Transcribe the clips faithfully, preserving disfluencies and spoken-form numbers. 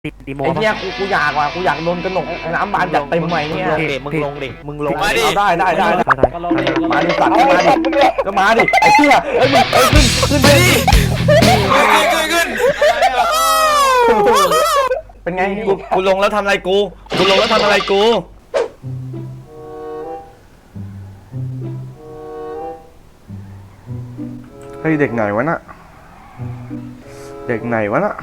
ติดดีโมไอ้เหี้ยกูกูอยากว่ะกูอยากโดนกระหนกน้ำบานจัดเต็มใหม่เนี่ยมึงลงดิมึงลงเอาได้ได้ได้มาดิสัตว์เอามาดิ ก็มาดิไอ้เหี้ยเอ้ยมึงเอ้ยขึ้นขึ้นไปดิขึ้นขึ้นเป็นไงกูกูลงแล้วทำอะไรกูกูลงแล้วทำอะไรกูเฮ้ยเด็กไหนวะน่ะเด็กไหนวะน่ะ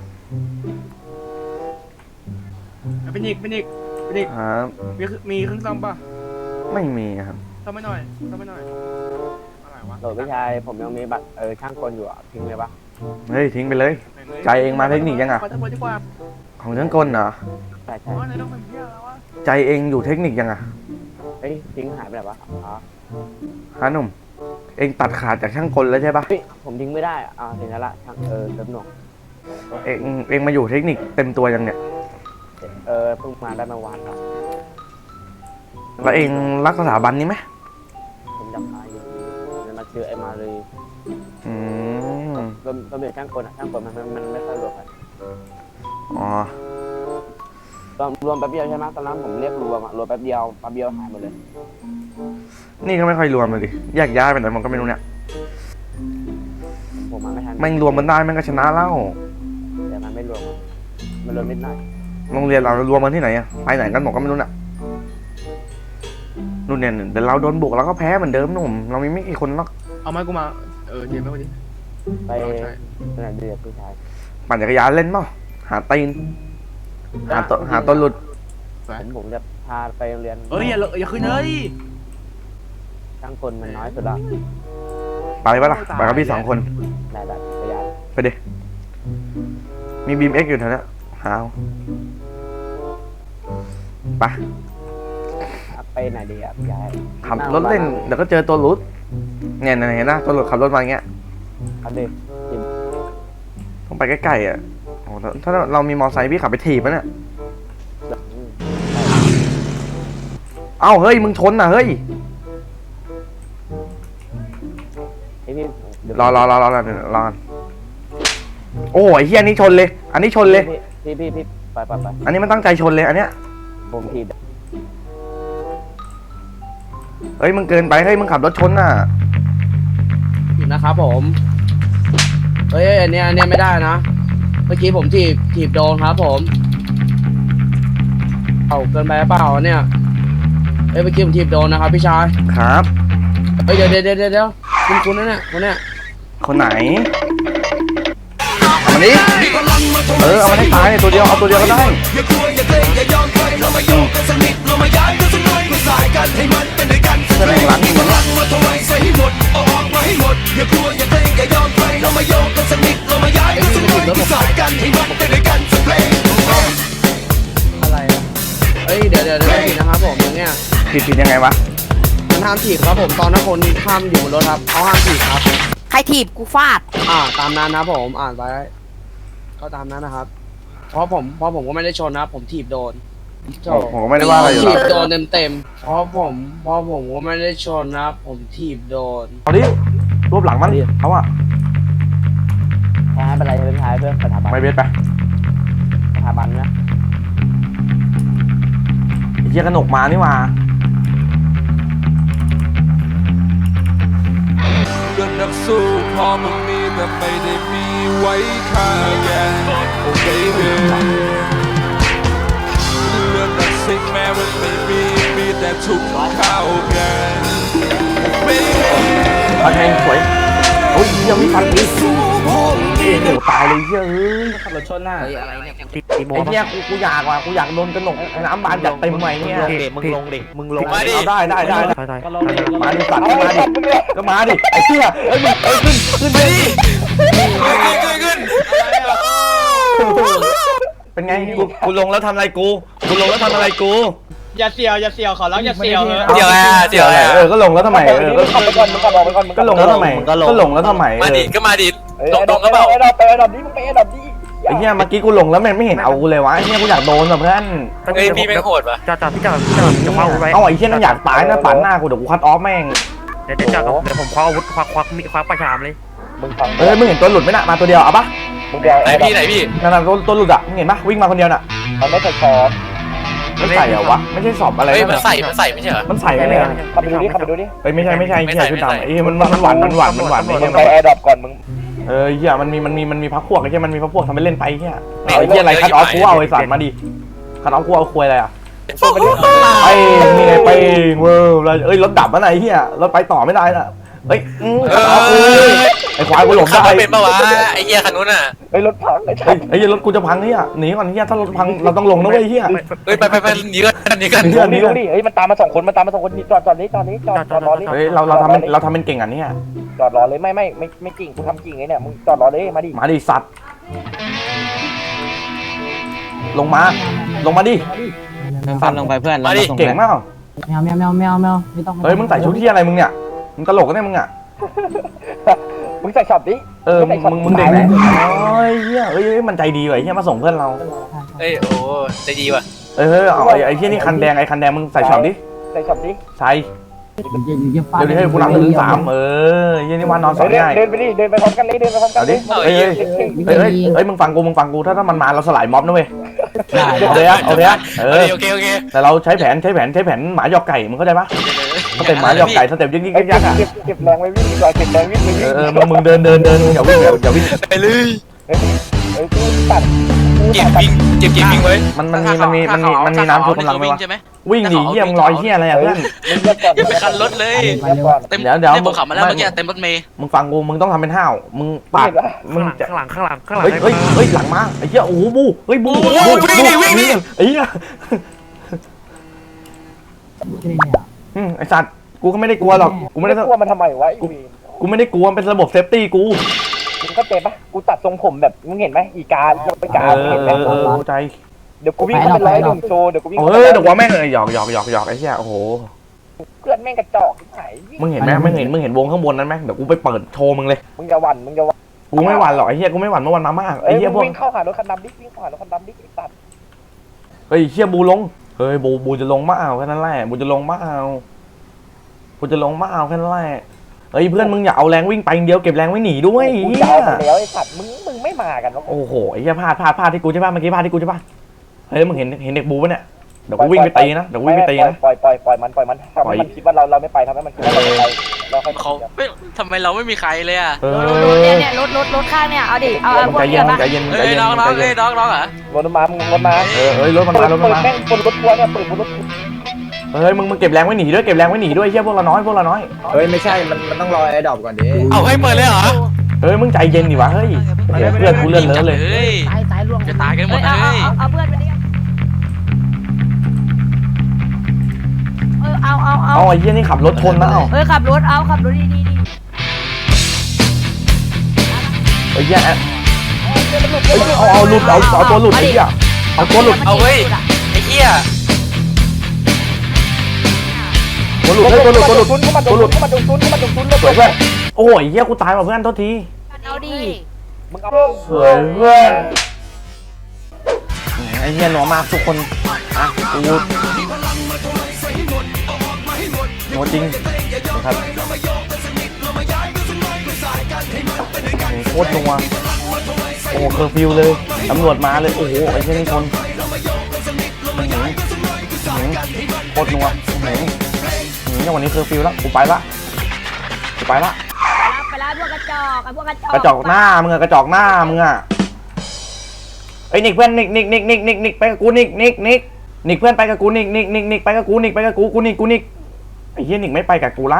เป็นอีกเป็นอีกเป็นอีกครับมีมีเครื่องซ่อมป่ะไม่มีครับซ่อมไม่หน่อยซ่อมไม่หน่อยอะไรวะโหลดพี่ชายผมยังมีบัตรเออช่างกลอยู่อ่ะทิ้งเลยปะเฮ้ยทิ้งไปเลย ใจเองมาเทคนิคยังอะขอทั้งหมดดีกว่าของช่างกลเหรอใช่ใช่อ๋อไหนต้องเป็นเพี้ยแล้ววะใจเองอยู่เทคนิคยังอะเฮ้ยทิ้งหายไปไหนวะอ๋อฮะหนุ่มเองตัดขาดจากช่างกลแล้วใช่ปะเฮ้ยผมทิ้งไม่ได้อ่ะอ่าทิ้งแล้วละช่างเออเติมหน่วงเองเองมาอยู่เทคนิคเต็มตัวยังเนี่ยเออเพิ่งมาได้เมื่อวานครับแล้วเองรักสถาบันนี้ไหมผมจำได้อยู่มันมาชื่อไอ้มาเลยอืมรวมรวมเด็กช่างกลอ่ะช่างกลมันมันมันไม่ค่อยรวมกันอ๋อรวมรวมแป๊บเดียวใช่ไหมตอนนั้นผมเรียกรวมอ่ะรวมแป๊บเดียวแป๊บเดียวหายหมดเลยนี่ก็ไม่ค่อยรวมเลยดิแยกย้ายไปไหนมันก็ไม่รู้เนี่ยผมมาไม่ทันแม่งรวมมันได้แม่งก็ชนะแล้วแต่มันไม่รวมอะมันรวมนิดหน่อยโรงเรียนเรารวมมันที่ไหนอะไปไหนกันหมดก็ไม่รู้น่ะนู่นเนี่ยเดี๋ยวเราโดนบุกเราก็แพ้เหมือนเดิมหนุ่มเรามีไม่กี่คนหรอกเอาไม้กูมาเออเดี๋ยวไม่วันนี้ไปใช่ขนาดเดือดพี่ชายปั่นจักรยานเล่นเปล่าหาตีนหาตัวหาตัวหลุดผมผมจะพาไปโรงเรียนเอ้ยอย่าอย่าขึ้นเลยช่างกลมันน้อยสุดละไปปะล่ะไปกับพี่สองคนได้ได้จักรยานไปดิมีบีมเอ็กอยู่แถวนั้นหาเอาไปไปไหนดีอ่ะพี่ชายขับรถเล่นเดี๋ยวก็เจอตัวหลุดเนี่ยเห็นนะตัวหลุดขับรถมาอย่างเงี้ยครับดิต้องไปใกล้ๆอ่ะโอ้โหถ้าเรามีมอไซค์พี่ขับไปถีบมันอ่ะเอ้าเฮ้ยมึงชนอ่ะเฮ้ยไอพี่เดี๋ยวรอรอรอรอรอรอโอ้ยเฮียอันนี้ชนเลย อันนี้ชนเลยพี่พี่พี่ไปไปไปอันนี้มันตั้งใจชนเลยอันเนี้ยผมทีเฮ้ยมึงเกินไปเฮ้ยมึงขับรถชนน่ะผิดนะครับผมเฮ้ยอันเนี้ยอันเนี้ยไม่ได้นะ เมื่อกี้ผมถีบถีบโดนครับผมเอาเกินไปเปล่าเนี่ยเฮ้ยเมื่อกี้ผมถีบโดนนะครับพี่ชายครับเฮ้ยเดี๋ยวเดี๋ยวเดี๋ยวเดี๋ยวคุณคุณนั่นเนี่ยคนเนี้ยคนไหนเอามาดิเออเอามาให้ตายตัวเดียวเอาตัวเดียวก็ได้จะแบ่งหลังอย่างนี้อะไรอะเฮ้ยเดี๋ยวเดี๋ยวเดี๋ยวผิดนะครับผมอย่างเงี้ยผิดผิดยังไงวะมันห้ามถีบครับผมตอนนั้นคนห้ามอยู่บนรถครับเขาห้ามถีบครับใครถีบกูฟาดอ่าตามนั้นนะครับผมอ่านไว้ก็ตามนั้นนะครับ เพราะผมเพราะผมก็ไม่ได้ชนนะครับผมถีบโดนโถ่ผมก็ไม่ได้ว่าอะไรอยู่ถีหรบอกเโดนเต็มๆเพราะผมเพราะผมก็ไม่ได้ชนนะครับผมถีบโดนอาดิรวบหลังมันเอาอะแพ้เป็นไรเป็นท้ายเพื่อสถาบันไม่เบ็ดไปสถาบันนะไอ้เหี้ยกระหนกมานี่มาเรื่องนักสู้พอมึงมีแต่ไม่ได้มีไว้ค่าแกโอเคเพื่อนเรื่องนักสิ่งแม้มันไม่มีมีแต่ทุกข้าวแกไม่ฟันแทงสวยโอ้ยยังมีฟันอีกโอ้โหตายเลยเฮ้ยขับรถชนหน้าเฮ้ยอะไรเนี่ยติดดีโมไอ้เหี้ยกูกูอยากว่ะกูอยากโดนกระหนกน้ำบานจัดเต็มใหม่เนี่ยมึงลงดิมึงลงเอาได้ได้ได้ถอยถอยมาดิสัตว์มาดิก็มาดิไอ้เหี้ยเอ้ยมึงเอ้ยขึ้นขึ้นไปดิขึ้นขึ้นเป็นไงกูกูลงแล้วทำอะไรกูกูลงแล้วทำอะไรกูอย่าเสียวอย่าเสียวขอร้องอย่าเสียวเดี๋ยวอ่ะเดี๋ยวอ่ะเออก็ลงแล้วทำไมเออมึงขับไปก่อนมึงขับออกไปก่อนก็ลงแล้วทำไมก็ลงแล้วทำไมมาดิก็มาดิตรงตรงก็เปล่าไอ้ดอกไปไอ้ดอกนี้มึงไปไอ้ดอกนี้ไอ้เหี้ยเมื่อกี้กูลงแล้วมันไม่เห็นเอากูเลยวะไอ้เหี้ยกูอยากโดนแบบเพื่อนเฮ้ยพี่ไม่โหดปะจอดจอดพี่จอดพี่จอดจะคว้าอาวุธไว้เอาไอ้เหี้ยนั่นอยากตายนะปัดหน้ากูเดี๋ยวกูคัดออฟแม่งเดี๋ยวเดี๋ยวจอดเดี๋ยวผมคว้าอาวุธควักควักมีควักประชามเลยมึงฟังเออมึงเห็นตัวหลุดไหมน่ะมาตัวเดียวเอาปะมึงเดียวไหนพี่ไหนพี่นั่นน่ะตัวตัวหลุดอ่ะมึงเห็นปะวิ่งมาคนเดียวน่ะมันไม่ใส่ช้อนมันใส่เหรอวะไม่ใช่สอบอะไรเฮ้ยมันใส่มันใส่ไม่ใช่เหรอมันใส่ไม่ใช่ขับไปดูดิขับไปดูดิเฮ้ยไม่ใช่ไม่ใช่เฮียชุดดำไอ้มันมันหวานมันหวานมันหวานไอ้เฮีมึยงไปแอร์ดรอปก่อนมึงเออเฮียมันมีมันมีมันมีพักพวกไอ้เฮียมันมีพักพวกทำไปเล่นไปเฮียไอ้เฮียอะไรคัดออฟกูเอาไอ้สัตว์มาดิคัดออฟกูเอาคุยอะไรอ่ะไอ้นี่ไงไปเว้ยเอ้ยรถดับแล้วไหนเฮียรถไปต่อไม่ได้น่ะเฮ้ยคัดออฟกูไอ้ควายกูหลบขับได้รถเป็นปะวะไอ้เหี้ยคันนู้นอ่ะไอ้รถพังไอ้เฮ้ยไอ้เฮียรถกูจะพังเนี่ยหนีก่อนเฮียถ้ารถพังเราต้องลงนะเว้ยเฮียเฮ้ยไปไปไปหนีกันหนีกันเฮียหนีนี่ก่อนดิเฮ้ยมันตามมาสองคนมันตามมาสองคนนี่จอดจอดนี้จอดนี้จอดจอดรอเลยเฮ้ยเราเราทำเป็นเราทำเป็นเก่งอ่ะเนี่ยจอดรอเลยไม่ไม่ไม่ไม่จริงกูทำจริงไอ้เนี่ยมึงจอดรอเลยมาดิมาดิสัตว์ลงมาลงมาดิฟันลงไปเพื่อนมาดิเก่งมากแมวแมวแมวแมวแมวไม่ต้องเฮ้ยมึงใส่ชุดที่อะไรมึงเนี่ยมึงตลกกันเนี่ยมึงอ่ะมึงใส่ช็อปดิเออมึงมึงมึงเด็กไหนโอ้ยเฮียเอ้ยมันใจดีว่ะเฮียมาส่งเพื่อนเราเฮ้ยโอ้ใจดีว่ะเออเอาไอ้ไอ้เฮียนี่คันแดงไอ้คันแดงมึงใส่ช็อปดิใส่ช็อปดิใส่เดี๋ยวให้กูนับหนึ่งถึงสามเออเฮียนี่ว่านอนสอนง่ายเดินไปดิเดินไปพร้อมกันเลยเดินไปพร้อมกันเอาดิเฮ้ยเฮ้ยเฮ้ยเฮ้ยมึงฟังกูมึงฟังกูถ้าถ้ามันมาเราสลายม็อบนะเว้ยเอาเลยอะเอาเลยอะเออโอเคโอเคแต่เราใช้แผนใช้แผนใช้แผนหมาหยอกไก่มึงเข้าใจปะสเต็ปหมาหยอกไก่สเต็ปยิ่งยิ่งเก็บยักษ์อะเก็บเก็บแรงไว้วิ่งดีกว่าเก็บแรงวิ่งไปวิ่งเออมึงมึงเดินเดินเดินอย่าวิ่งอย่าอย่าวิ่งไปเลยเฮ้ยกูตัดกูเก็บตัดวิ่งเก็บเก็บวิ่งไว้มันมันมีมันมีมันมีมันมีน้ำท่วมกำลังไหมวะวิ่งหนีเหี้ยมึงลอยเหี้ยอะไรอะเพื่อนมึงเลือกก่อนอย่าไปคันรถเลยเลือกก่อนเต็มเดี๋ยวเดี๋ยวเต็มผมขับมาแล้วเมื่อกี้เต็มรถเมย์มึงฟังกูมึงต้องทำเป็นห้าวมึงปากมึงจะข้างหลังข้างหลังข้างหลังเฮ้ยเฮ้ยเฮ้ยหลังมาไอ้เหี้ยโอ้โหบูเฮ้ยบูบูบูไอ้เหี้ยอืมไอ้สัตว์กูก็ไม่ได้กลัวหรอกกูไม่ได้กลัวมันทำไมวะไอ้วีกูไม่ได้กลัวมันเป็นระบบเซฟตี้กูมึงเข้าใจปะกูตัดทรงผมแบบมึงเห็นไหมอีกาไปกาเออเห็นไหเอมอเออเข้าใจเดี๋ยวกูวิ่งเข้าไปร้อยหนึ่งโชว์เดี๋ยวกูวิ่งเออเดี๋ยวว่าแม่งเลยหยอกหยอกหยอกหยอกไอ้เหี้ยโอ้โหเพื่อนแม่งกระจอกที่ไหนมึงเห็นไหมมึงเห็นมึงเห็นวงข้างบนนั้นไหมเดี๋ยวกูไปเปิดโชว์มึงเลยมึงจะหวั่นมึงจะหวั่นกูไม่หวั่นหรอกไอ้เหี้ยกูไม่หวั่นเมื่อวันมามากเอ้ไอ้ยเหี้ยพมึวงกวิ่งเข้าหารถคันดำดิวิ่งเข้าหารถคันดำดิไอ้สัตว์เฮ้ยเหี้ยบูลงเฮ้ยบูบูจะลงมาเอาแค่นั้นแหละบูจะลงมาเอาบูจะลงมาเอาแค่นั้นแหละเฮ้ยเพื่อนมึงอย่าเอาแรงวิ่งไปเดียวเก็บแรงไว้หนีด้วยกูเหี้จะยเอาไปแล้วไอ้สัตว์มึงมึงไม่มากันวะโอ้โหไอ้เหี้ยพลาดพลาดพลาดที่กูใช่ป่ะเมื่อกี้พลาดที่กูใช่ป่ะเฮ้ยมึงเห็นเห็นเด็กบูปะเนี่ยเดี๋ยวกูวิ่งไปตีนะเดี๋ยวกูวิ่งไปตีนะปล่อยปล่อยปล่อยมันปล่อยมันทำให้มันคิดว่าเราเราไม่ไปทำให้มันคิดว่าเราไม่ไปเราค่อยเขาไม่ทำไมเราไม่มีใครเลยอ่ะเอรถอเนี่ยเนี่ยรถรถรถข้างเนี่ยเอาดิเอาเอาพวกใจเดีเย็ยวน ปะใจเย็นใจเฮ้ยเย็นน้องน้องใจเฮ้เย็ยนน้องน้องเหรอรถมามึงรถมาเออเฮ้ยรถมันมารถมันมาแม่งคนรถทัวร์เนี่ยเปิดบนรถเฮ้ยมึงมึงเก็บแรงไว้หนีด้วยเก็บแรงไว้หนีด้วยเฮียพวกเราน้อยพวกเราน้อยเฮ้ยไม่ใช่มันมันต้องรอไอ้ดอกก่อนดิเอาให้เปิดเลยเหรอเฮ้ยมึงใจเย็นดิวะเฮ้ยเดี๋ยวเพื่อนกูเลื่อนเลอะเลยเฮ้ยตายตายล่วงจะตายกันหมเอ้ดยเลเอาเอายเอาเอาเพื่อนไปดิเออเอาเอาเอาเอาไอ้เหี้ยนี่ขับรถชนนะเอาเอ้ยขับรถเอาขับรถดีดีดีไอ้เหี้ยแอะเอาเอาหลุดเอาเอาตัวหลุดไอ้เหี้ยเอาตัวหลุดเอาเฮ้ยไอ้เหี้ยตัวหลุดเฮ้ยตัวหลุดตัวหลุดเข้ามาโดนเข้ามาโดนเข้ามาโดนเข้ามาโดนสวยเพื่อนโอ้ยเหี้ยกูตายว่ะเพื่อนโทษทีเอาดิมึงเอาสวยเพื่อนไอ้เหี้ยหนัวมากทุกคนอ่ะกูหนัวจริงนะครับโคตรนัวโอ้เคอร์ฟิวเลยตำรวจมาเลยโอ้โหไอ้เหี้ยนี่คนโคตรนัวเนี่ยวันนี้เคอร์ฟิวแล้วกูไปละกูไปละไปแล้วพวกกระจอกไอ้พวกกระจอกกระจอกหน้ามึงอะกระจอกหน้ามึงอะไอ้นิกเพื่อนนิกนิกนิกนิกนิกนิกไปกับกูนิกนิกนิกนิกเพื่อนไปกับกูนิกนิกนิกนิกไปกับกูนิกไปกับกูกูนิกกูนิกไอ้เหี้ยนิกไม่ไปกับกูละ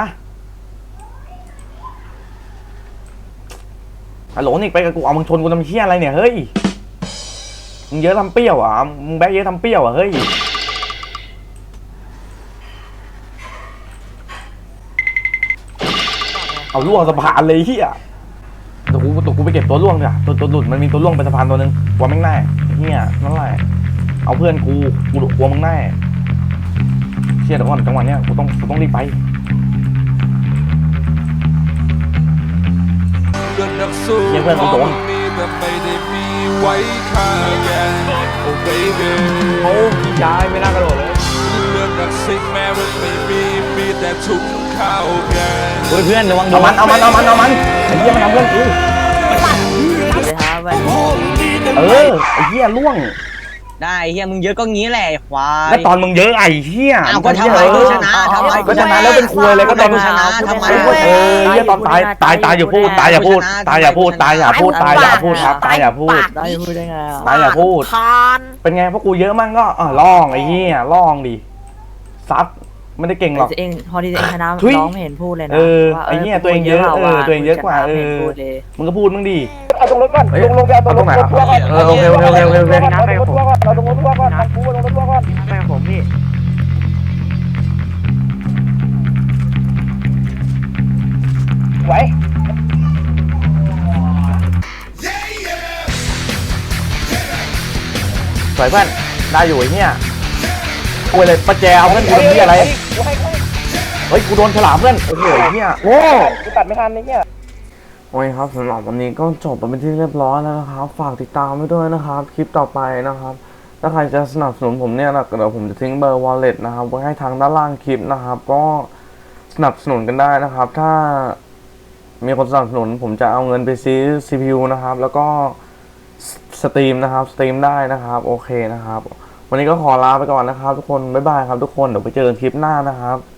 ฮัลโหลนิกไปกับกูเอามึงชนกูทำเหี้ยอะไรเนี่ยเฮ้ยมึงเยอะทำเปรี้ยวอ่ะมึงแบกเยอะทำเปรี้ยวอ่ะเฮ้ยเอาล่วงสะพานเลยเหี้ยตัวกูตัวกูไปเก็บตัวล่วงเนี่ยตัวตัวหลุดมันมีตัวล่วงเป็นสะพานตัวนึงกลัวแม่งแน่เหี้ยนั่นแหละเอาเพื่อนกูกูกลัวมึงแน่เชี่ยเดี๋ยวก่อนจังหวะเนี้ยกูต้องกูต้องรีบไปเรื่องนักสู้พอมันมีแต่ไม่ได้มีไว้ฆ่าแกโอ้ baby โอ้ย้ายไม่น่ากระโดดเลยเรื่องนักซิ่งแม้มันไม่มีมีแต่ถุงข้าวแกงเฮ้ยเพื่อนระวังเอามันเอามันเอามันเอามันไอ้เหี้ยมันทำเพื่อนกูสวัสดีครับไปเออไอ้เหี้ยล่วงได้เฮียมึงเยอะก็งี้แหละควายแล้วตอนมึงเยอะไอ้เหี้ยเอาก็ทำไมกูชนะทำไมก็ชนะแล้วเป็นควยเลยก็ตอนกูชนะทำไมเออเหี้ยตอนตายตายตายอย่าพูดตายอย่าพูดตายอย่าพูดตายอย่าพูดตายอย่าพูดครับตายอย่าพูดได้พูดได้ไงอ่ะตายอย่าพูดคานเป็นไงพวกกูเยอะมั่งก็อ่ะล่องไอ้เหี้ยล่องดิซัดไม่ได้เก่งหรอกเองพอที่เองชนะทุยน้องไม่เห็นพูดเลยนะเออไอ้เหี้ยตัวเองเยอะเออตัวเองเยอะกว่าเออมึงก็พูดมึงดิเอาตรงรถก่อนเอ้ยลงลงไปเอาตรงรถเอาตรงไหนครับทัวร์ก่อนเออโอเคโอเคโอเคโอเคโอเคน้ำไปกับผมเอาตรงรถทัวร์ก่อนเอากูลงรถทัวร์ก่อนไปกับผมพี่ไหวสวยเพื่อนได้อยู่ไอ้เหี้ยกูเลยประแจเอาเพื่อนกูเป็นที่อะไรกูให้กูให้เฮ้ยกูโดนฉลามเพื่อนโอ้โหไอ้เหี้ยโอ้กูตัดไม่ทันไอ้เนี่ยโอ้ยครับสำหรับวันนี้ก็จบไปเป็นที่เรียบร้อยแล้วนะครับฝากติดตามไว้ด้วยนะครับคลิปต่อไปนะครับถ้าใครจะสนับสนุนผมเนี่ยนะเดี๋ยวผมจะทิ้งเบอร์ wallet นะครับไว้ให้ทางด้านล่างคลิปนะครับก็สนับสนุนกันได้นะครับ ถ้ามีคนสนับสนุนผมจะเอาเงินไปซื้อ ซี พี ยู นะครับแล้วก็สตรีมนะครับสตรีมได้นะครับโอเคนะครับวันนี้ก็ขอลาไปก่อนนะครับทุกคนบ๊ายบายครับทุกคนเดี๋ยวไปเจอกันคลิปหน้านะครับ